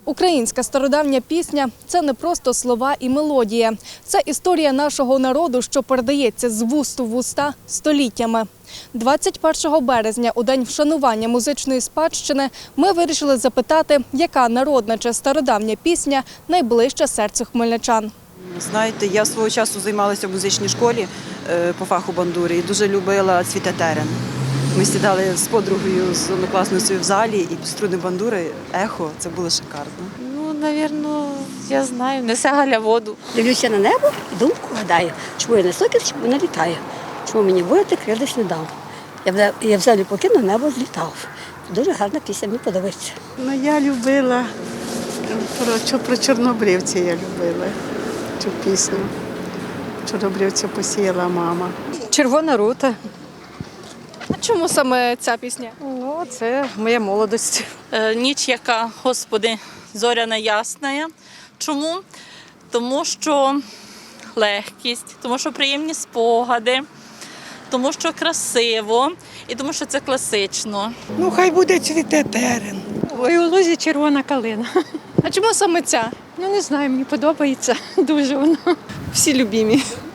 Українська стародавня пісня – це не просто слова і мелодія. Це історія нашого народу, що передається з вуст у вуста століттями. 21 березня, у день вшанування музичної спадщини, ми вирішили запитати, яка народна чи стародавня пісня найближча серцю хмельничан. Знаєте, я свого часу займалася в музичній школі по фаху бандури і дуже любила «Цвіте терен». Ми сідали з подругою, з однокласницею в залі, і під струни бандури ехо, це було шикарно. Ну, напевно, я знаю, несе Галя воду. Дивлюся на небо і думку гадаю, чому я не сокіл, чому не літаю, чому мені вилити крились не дав. Я взагалі покинув, небо злітав. Дуже гарна пісня, мені подобається. Ну, я любила, про чорнобривця я любила цю пісню. Чорнобривця посіяла мама. Червона рута. А чому саме ця пісня? Ну, це моя молодість. Ніч, яка, Господи, зоряна ясна. Чому? Тому що легкість, тому що приємні спогади, тому що красиво і тому що це класично. Ну, хай буде «Цвіте терен». Ой, у лузі червона калина. А чому саме ця? Ну, не знаю, мені подобається дуже воно. Всі любимі.